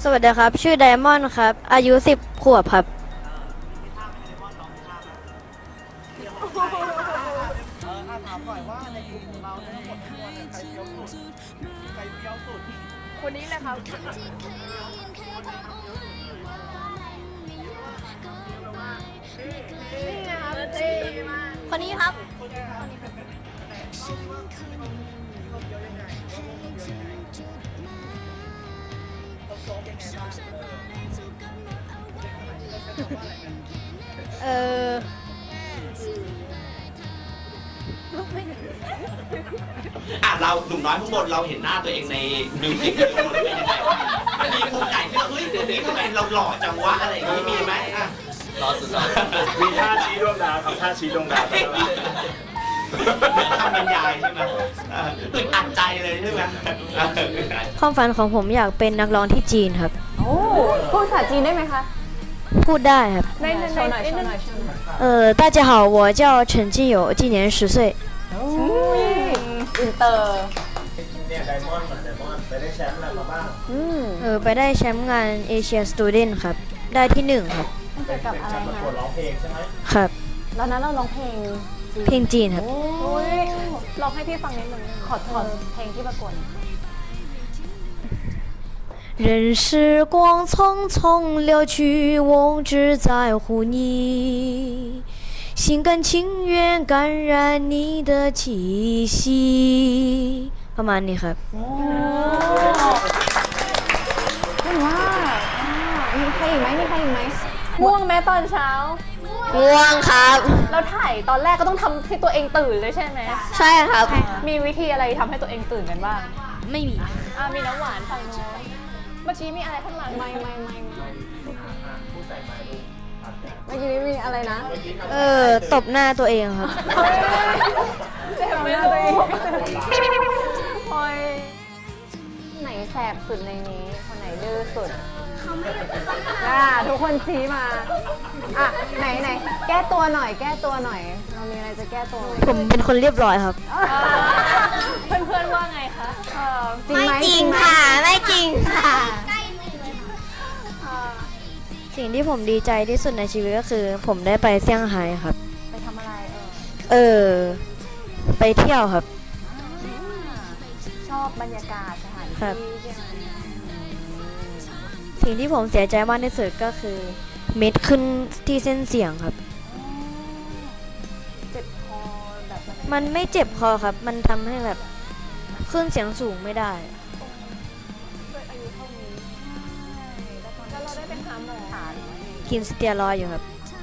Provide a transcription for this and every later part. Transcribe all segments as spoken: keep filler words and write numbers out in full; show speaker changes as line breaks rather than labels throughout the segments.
สวัสดีครับชื่อไดมอนด์ครับอายุสิบขวบครับ
เออถามหน่อยว่าในกลุ่มของเราเนี่ยทั้งหมดทั้งมวลเนี่ยใครเฟี้ยวสุดใครเฟี้ยวสุด
คนนี้แหละครับนี่ไงครับเท่มาก
คนนี้ครับเออ
อ่ะเราหนุ่มน้อยข้างบนเราเห็นหน้าตัวเองในมิวสิกวิดีโอแล้วเป็นยังไงวะมันมีมุมไหนที่เราเฮ้ยเดี๋ยวนี้ทำไมเราหล่อจังวะอะไรอย่างนี้มีไหมอ่ะหล่อสุดๆ
มีท่าชี้ดวงดาวครับท่าชี้ดวงดาว
ทำบรรยายใช่ไหมอึดอัดใจเลยใช่ไหม
ความฝันของผมอยากเป็นนักร้องที่จีนครับ
โอ้พูดภาษาจีนได้ไหมคะ
พูดได้ครับ
ในในในในใน
เอ่อ大家好我叫陈静友今年十岁
อินเตอร์
เนี่ยไดมอนด์เหมือนไดมอนด์ไปได้แชมป์อะไรมาบ้าง
เออไปได้แชมป์งานเอเชียสตูเดนครับได้ที่หนึ่งครับ
เกี่ยวกับอะไรคะ
ประกวดร้องเพลงใช่ไหม
ครับ
แล้วนั้นเราร้องเพลง
เพลงจีนครับ
โอ้ยร้องให้พี่ฟังนิดนึงขอขอเพลงที่ประกวด
任时光匆匆流去，我只在乎你，心甘情愿感染你的气息ประมาณนี้ครับ
โอ้เก่งมากมีใครอีกไหมมีใครอีกไหมง่วงไหมตอนเช้า
ง่วงครับ
เราถ่ายตอนแรกก็ต้องทำให้ตัวเองตื่นเลยใช่ไหม
ใช่ครับ
มีวิธีอะไรทำให้ตัวเองตื่นกันบ้าง
ไม่มี
อ่ามีน้ำหวานฝั่งโน้นเมื่อกี้มีอะไรข้างหลังไม่ไม่ไม่เมื่อกี้นี้มีอะไรนะ
เออตบหน้าตัวเองครับ
เจ็บไหมตัวเองโอ้ยไหนแสบสุดในนี้คนไหนดื้อสุดอ่าทุกคนชี้มาอ่ะไหนไหนแก้ตัวหน่อยแก้ตัวหน่อยเรามีอะไรจะแก้ตัวไหม
ผมเป็นคนเรียบร้อยครับ
เพื่อนเพื่อนว่าไงคะ
ไม่จริงค่ะไม่จริงค่ะสิ่งที่ผมดีใจที่สุดในชีวิตก็คือผมได้ไปเซี่ยงไฮ้ครับ
ไปทำอะไร
เออไปเที่ยวครับ
ชอบบรรยากาศสถานที่ใช่ไหม
สิ่งที่ผมเสียใจมากที่สุดก็คือเม็ดขึ้นที่เส้นเสียงครับ
เจ็บคอแบบ
มันไม่เจ็บคอครับมันทำให้แบบขึ้นเสียงสูงไม่ได้
ด้วยอายุเท่านี้แล้วเราได้เป็นหาหมอ
กินสเตียรอยด์อยู่ครับ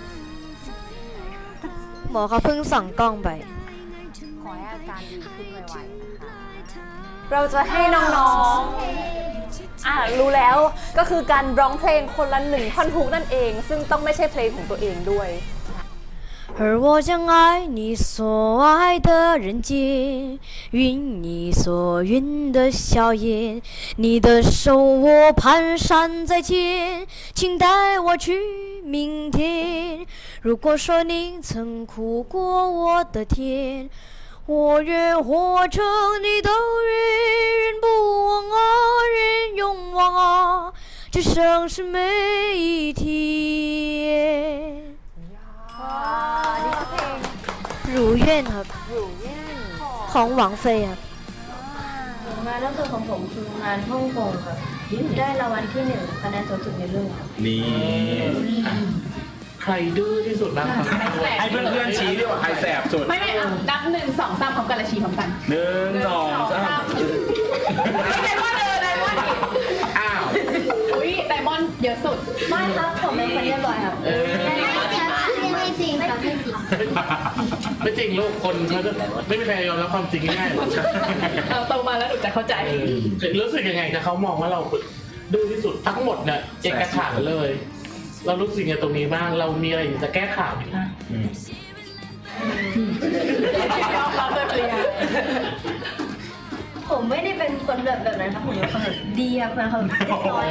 หมอเขาเพิ่งส่องกล้องไป
ขอให้อาการดีขึ้นไวๆนะคะเราจะให้น้องๆอ่ารู้แล้วก็คือการร้องเพลงคนละหนึ่งท่อนฮุกนั่นเองซึ่งต้องไม่ใช่เพลงของตัวเองด้วย
而我将爱你所爱的人间，晕你所晕的笑颜，你的手我蹒跚在肩，请带我去明天。如果说你曾哭过我的天，我愿活成你的人，人不忘啊，人永忘啊，这生是每一天。
นี่คือเพลง
如愿ครับ
如愿
ของหวังเฟยครับ
งานล่าสุดของผมคืองานฮ่องกงครับได้รางวัลที่หนึ่งคะแนนสูงสุดในเรื่องครับ
นี่
ใครดื้อที่สุดบ้างครับ
ให้เพื่อนๆชี้ดีกว่าใครแสบสุด
ไม่ไม่นับหนึ่งสองสามพร้อมกันและชี้พร้อมกัน
หนึ่งสองสาม
ไดมอนด์เลยไดมอนด์
อ้าว
อุ้ยไดมอนด์เยอะสุด
ไม่ครับผมเป็นคนเรียบร้อยครับไม่จริงครับไม่จริง
ไม่จริงลูกคนเขาจะไม่มีใครยอมรับความจริงง่ายๆหรอก
เราโตมาแล้วหนูจะเข้าใจ
รู้สึกยังไงนะเขามองว่าเราดื้อที่สุดทั้งหมดเนี่ยเอกฉันท์เลยเรารู้สึกยังไงตรงนี้บ้างเรามีอะไรจะแก้ข่าวไหมคะ
ผมไม่ได้เป็นคนแบบแบบนั้นครับผมเป็นคนแบบดีครับเป็นคนเรียบร้อย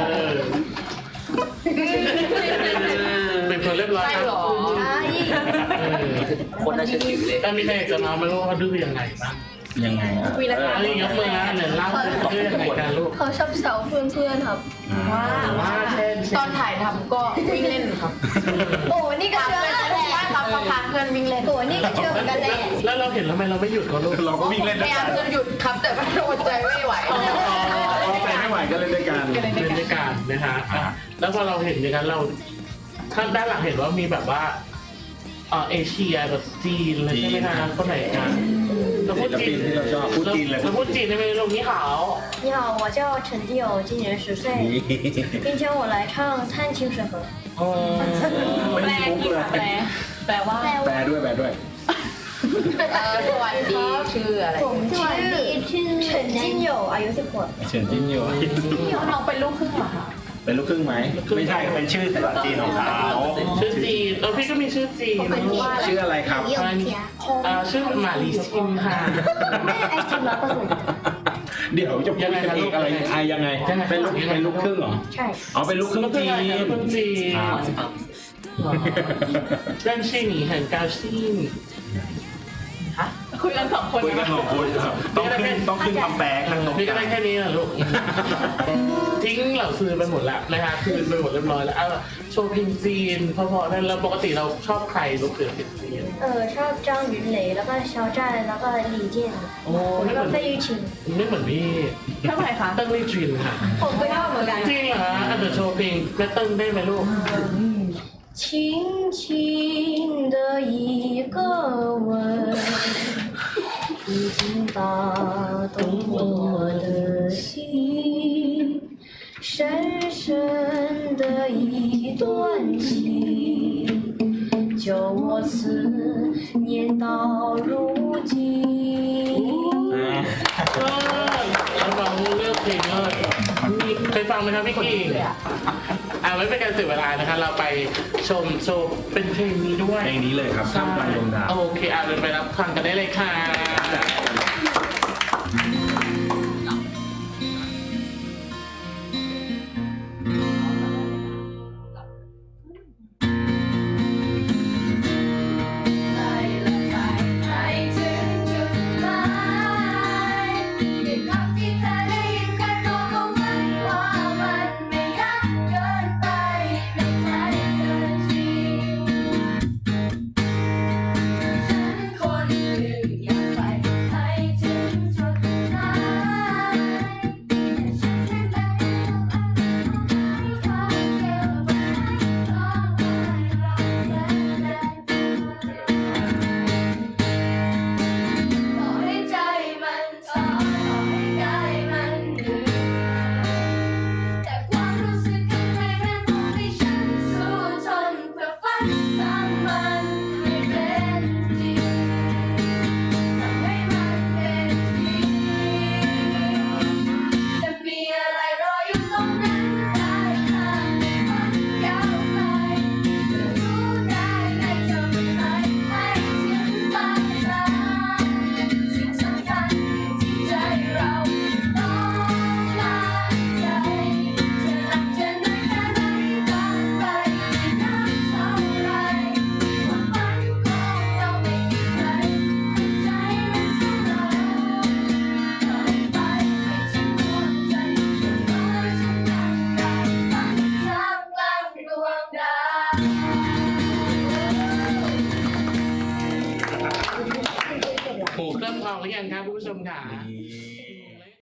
เป็นคนเรียบร้อยครับ
ใช่
คนน่าเชื่อถือเลย
แต่มีใครจะมาไม่รู้ว่าเขาดื้อยังไงบ้าง
ยังไงอ่ะ
วีรกรรม
อันนี้ยกมือนะเดี๋ยวเล่าเรื่องยังไงกันลูก
เขาชอบแซวเพื่อนๆครับ
ว่า
ว่าเช่น
ตอนถ่ายทำก็วิ่งเล่นครับ
โอ้นี่ก็เชื่อ
ใช่ครับก็พาเพื่อนวิ่งเล่น
โอ้นี่ก็เชื่อเหมือนกันแหละ
แล้วเราเห็นทำไมเราไม่หยุดเขาลูก
เราก็วิ่งเล่น
พ
ด้วย
ยายา
กั
ม
น
จะหยุดครับแต่ว่าอดใจไม่ไหว
ใจไม่ไหวก็เล่นด้วยกัน
เล่นด้วยกันนะคะอ่ะแล้วพอเราเห็นอย่างนั้นเราข้างด้านหลังเห็นว่ามีแบบว่าเออเอเชียแบบจีนเลยใช่ไหมคะคนไหนกันเราพูดจีน
ศิลปินที่เราชอบพูดจีนเลย
เราพูดจีนได้ไหมลูกนี่เขา
你好，我叫陈基友，今年十岁，并且我来唱《探清水河》。
อ๋อ
ไม่
แปล
ได้มุก
กี่
เลย
แปลแปลว่า
แปลด้วยแปลด้วย
เออสวัสดีชื่ออะไร
我们ชื่อ陈金友อายุสิบขวบ
เฉินจิ้นอยู่
น้องเป็นลูกครึ่งเหรอคะ
เป็นลูกครึ่งไหมไม่ใช่เป็นชื่อภาษาจีนของเขา
ชื่อจีนเออพี่ก็มีชื่อจีนนะลูก
ชื่ออะไรครับ
อ่าชื่อหมาลีชิมค่ะ
แม่ไอจีร้อยเปอร์เซ็นต์
เดี๋ยวจะพูดกันอีกอะไรไทยยังไงเป็นลูกเป็นลูกครึ่งเหรอ
ใช่
อ๋อเป็นลูกครึ่งจีน
ลูกครึ่งจีน
อ่า
认识你很高兴
คุยกันสองคน
คุยกันสองคนต้องขึ้นต้องขึ้นคำแปลข้างตรง
พี่ก็ได้แค่นี้นะลูก ทิ้งเหล่าซื้อไปหมดแล้วนะคะคืนไปหมดเรียบร้อยแล้วเอาโชว์เพลงจีนเพราะๆนั่นแล้วปกติเราชอบใครลูกเสือเพลงจีน
เออชอบจ้างหยุนเหลยแล้วก็เชาจ้านแล้วก็หลี่เจี้ยน
โอ้
แล้วก็เฟยยูชิน
ไม่เหมือนพี่
เท่าไหร่คะ
เติ้งลี่จินค่ะ
ผมก็ชอบเหมือนกัน
จริงเหรออ่ะเดี๋ยวโชว์เพลงแม่เติ้งได้ไหมลูก
轻轻的一个吻，已经打动我的心，深深的一段情，叫我思念到如今。
เออแล้วเราเลือกเพลงเลยมีเคยฟังไหมครับพี่กิ่งอ่าไม่เป็นการเสียเวลานะคะเราไปชมโชว์เป็นเพลงนี้ด้วย
เพลงนี้เลยครับข้ามกลางดวงดาว
โอเคอ่ะเดินไปรับฟังกันได้เลยค่ะ โอ้เริ่มทองหรือยังครับคุณผู้ชมค่ะ
นี่